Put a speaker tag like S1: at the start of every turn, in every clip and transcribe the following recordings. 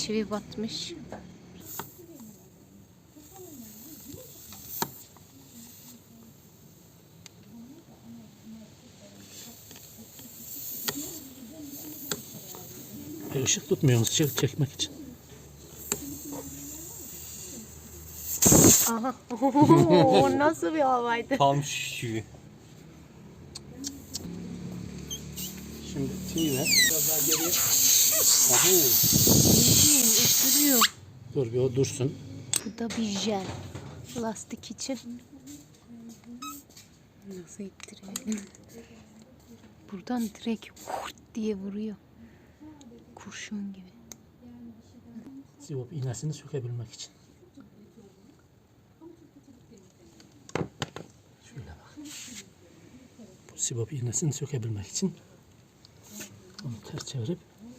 S1: çivi batmış.
S2: Işık tutmuyoruz çekmek için.
S1: Aha. O nasıl bir havaydı?
S3: Tam şişiyor.
S2: Şimdi çiğ ver. Biraz daha geriye.
S1: Bildiğin ısırıyor.
S2: Dur bir o dursun.
S1: Bu da bir jel. Lastik için. Nasıl ittiriyor? Buradan direkt kurt diye vuruyor. Kurşun gibi.
S2: Sivop iğnesini sökebilmek için. Şöyle bak. Bu sivop iğnesini sökebilmek için onu ters çevirip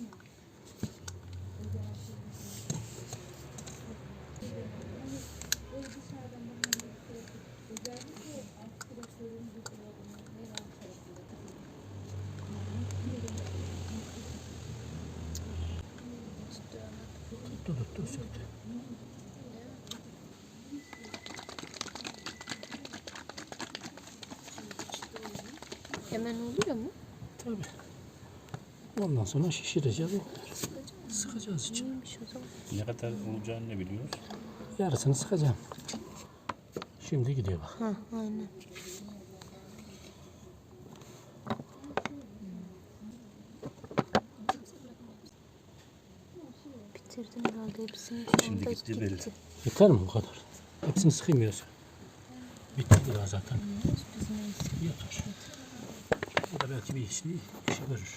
S2: tuttu söktü.
S1: Hemen oluyor mu?
S2: Tabii. Ondan sonra şişireceğiz. Sıkacağız için.
S1: Neymiş o zaman?
S3: Ne kadar olacağını ne biliyoruz?
S2: Yarısını sıkacağım. Şimdi gidiyor bak.
S1: Ha, aynen. Bitirdim herhalde hepsini.
S3: Şimdi
S1: Onda
S3: gitti belli.
S2: Yeter mi bu kadar? Hepsini sıkmıyorsun. Bitti daha zaten. Yeter. Bu da belki bir işi görür.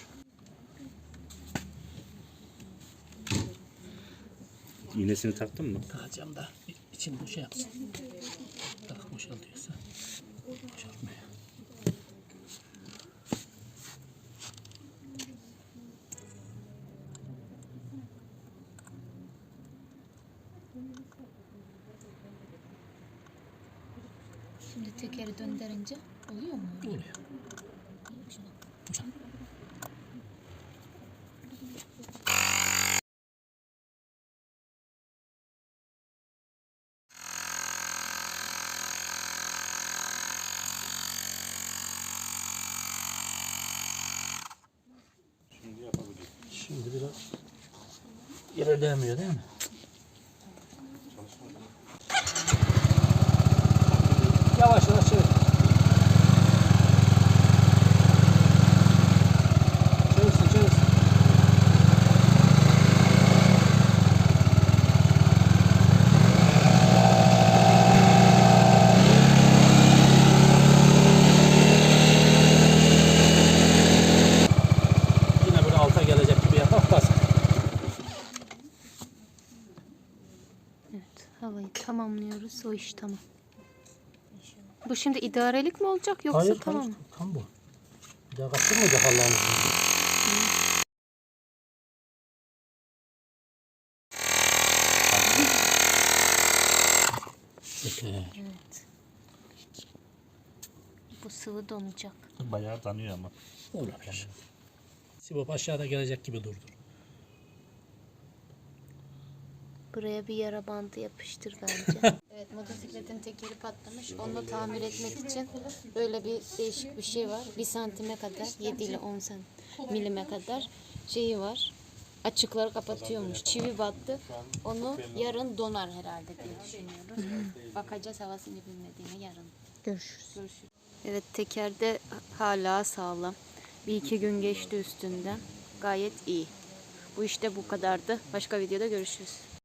S3: İğnesini taktın mı?
S2: Takacağım da içini boşa yapsın. Tak boşaltıyorsa. Boşaltmıyor.
S1: Şimdi tekeri döndürünce oluyor mu?
S2: Oluyor. Boşalt.
S3: Şimdi yapabiliriz.
S2: Şimdi biraz ilerleyemiyor değil mi? Yavaş yavaş çevir. Çevirsin. Yine böyle alta gelecek gibi yapar bas.
S1: Evet, havayı tamamlıyoruz. O iş tamam. Bu şimdi idarelik mi olacak yoksa
S2: Hayır,
S1: tamam mı?
S2: tam bu. Bir daha kaptırmayacak Allah'ın izniyle. Yeter.
S1: Evet. Bu sıvı donacak.
S3: Bayağı tanıyor ama.
S2: Olabilir. Sivop aşağıda gelecek gibi durdur.
S1: Buraya bir yara bandı yapıştır bence. Evet, motosikletin tekeri patlamış. Onu tamir etmek için böyle bir değişik bir şey var. 1 santime kadar, 7 ile 10 milime kadar şeyi var. Açıkları kapatıyormuş. Çivi battı. Onu yarın donar herhalde diye düşünüyorum. Bakacağız havasını bilmediğine yarın. Görüşürüz. Evet, teker de hala sağlam. 1-2 gün geçti üstünden. Gayet iyi. Bu işte bu kadardı. Başka videoda görüşürüz.